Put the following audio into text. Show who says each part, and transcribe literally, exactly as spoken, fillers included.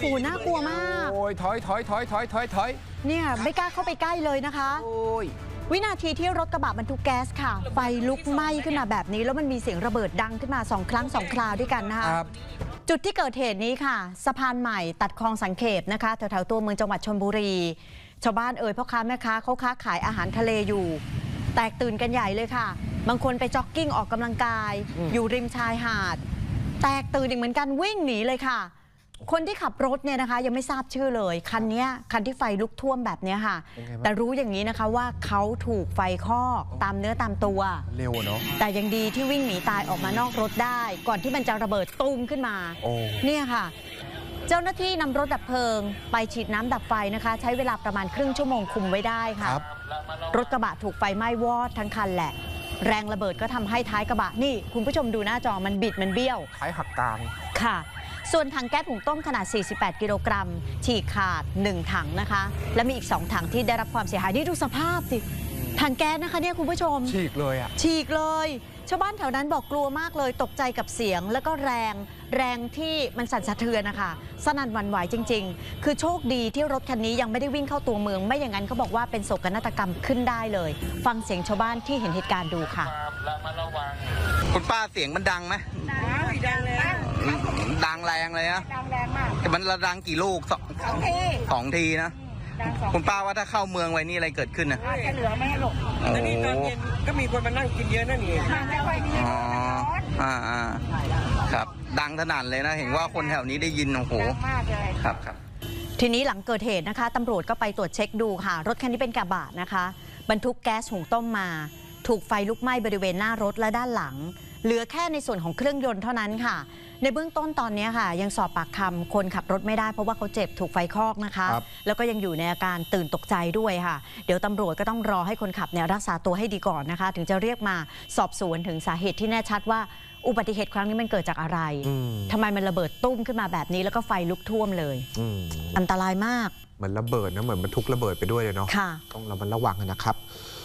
Speaker 1: น่ากลัวมาก
Speaker 2: โอ้ยถอยถอยถอยถอยถอยถอย
Speaker 1: เนี่ยไม่กล้าเข้าไปใกล้เลยนะคะ
Speaker 2: โอ้ย
Speaker 1: วินาทีที่รถกระบะบรรทุกแก๊สค่ะไฟลุกไหม้ขึ้นมาแบบนี้แล้วมันมีเสียงระเบิดดังขึ้นมาสองครั้งสองคราวด้วยกันนะคะจุดที่เกิดเหตุนี้ค่ะสะพานใหม่ตัดคลองสังเขปนะคะแถวๆตัวเมืองจังหวัดชลบุรีชาวบ้านเอ่ยพ่อค้าแม่ค้าเขาค้าขายอาหารทะเลอยู่แตกตื่นกันใหญ่เลยค่ะบางคนไปจ็อกกิ้งออกกำลังกายอยู่ริมชายหาดแตกตื่นอีกเหมือนกันวิ่งหนีเลยค่ะคนที่ขับรถเนี่ยนะคะยังไม่ทราบชื่อเลยคันนี้คันที่ไฟลุกท่วมแบบนี้ค่ะแต่รู้อย่างนี้นะคะว่าเขาถูกไฟคอกตามเนื้อตามตัว
Speaker 2: เร็วเนาะ
Speaker 1: แต่ยังดีที่วิ่งหนีตายออกมานอกรถได้ก่อนที่มันจะระเบิดตุ้มขึ้นมาเนี่ยค่ะเจ้าหน้าที่นำรถดับเพลิงไปฉีดน้ำดับไฟนะคะใช้เวลาประมาณครึ่งชั่วโมงคุมไว้ได้ค่ะรถกระบะถูกไฟไหม้วอดทั้งคันแหละแรงระเบิดก็ทำให้ท้ายกระบะนี่คุณผู้ชมดูหน้าจอมันบิดมันเบี้ยว
Speaker 2: ท้ายหักกลาง
Speaker 1: ค่ะส่วนถังแก๊สหุงต้มขนาดสี่สิบแปดกิโลกรัมฉีกขาดหนึ่งถังนะคะและมีอีกสองถังที่ได้รับความเสียหายนี่ดูสภาพสิถังแก๊สนะคะเนี่ยคุณผู้ชม
Speaker 2: ฉีกเลยอ่ะ
Speaker 1: ฉีกเลยชาวบ้านแถวนั้นบอกกลัวมากเลยตกใจกับเสียงแล้วก็แรงแรงที่มันสั่นสะเทือนนะคะสนั่นหวั่นไหวจริงๆคือโชคดีที่รถคันนี้ยังไม่ได้วิ่งเข้าตัวเมืองไม่อย่างนั้นเขาบอกว่าเป็นโศกนาฏกรรมขึ้นได้เลยฟังเสียงชาวบ้านที่เห็นเหตุการณ์ดูค่ะ
Speaker 3: คุณป้าเสียงมันดังไหม
Speaker 4: ดังเลย
Speaker 3: ดังแรงเลยนะ
Speaker 4: ดังแรงมาก
Speaker 3: แต่มันระดังกี่ลูกสอง
Speaker 4: ที
Speaker 3: สองทีนะคุณป้าว่าถ้าเข้าเมืองไว้นี่อะไรเกิดขึ้นนะ
Speaker 4: จะเหลือไม่ให้หลบ
Speaker 3: แล้วนี่ตอนเย็น
Speaker 5: ก็มีคนมานั่งกินเยอะนั่นเอง
Speaker 4: มันไม่ค่อยมี
Speaker 3: อ๋ออ่าอ่าครับดังขนาดเลยนะเห็นว่าคนแถวนี้ได้ยินโอ้โห
Speaker 4: ดังมากเลย
Speaker 3: ครับครับ
Speaker 1: ทีนี้หลังเกิดเหตุนะคะตำรวจก็ไปตรวจเช็คดูค่ะรถคันนี้เป็นกระบะนะคะบรรทุกแก๊สหุงต้มมาถูกไฟลุกไหม้บริเวณหน้ารถและด้านหลังเหลือแค่ในส่วนของเครื่องยนต์เท่านั้นค่ะในเบื้องต้นตอนนี้ค่ะยังสอบปากคำคนขับรถไม่ได้เพราะว่าเขาเจ็บถูกไฟคลอกนะคะแล้วก็ยังอยู่ในอาการตื่นตกใจด้วยค่ะเดี๋ยวตำรวจก็ต้องรอให้คนขับเนี่ยรักษาตัวให้ดีก่อนนะคะถึงจะเรียกมาสอบสวนถึงสาเหตุที่แน่ชัดว่าอุบัติเหตุครั้งนี้มันเกิดจากอะไรทำไมมันระเบิดตุ้มขึ้นมาแบบนี้แล้วก็ไฟลุกท่วมเลยอันตรายมาก
Speaker 2: เหมือนระเบิดนะเหมือนบรรทุกระเบิดไปด้วยเลยเนาะต้องระมัดระวังนะครับ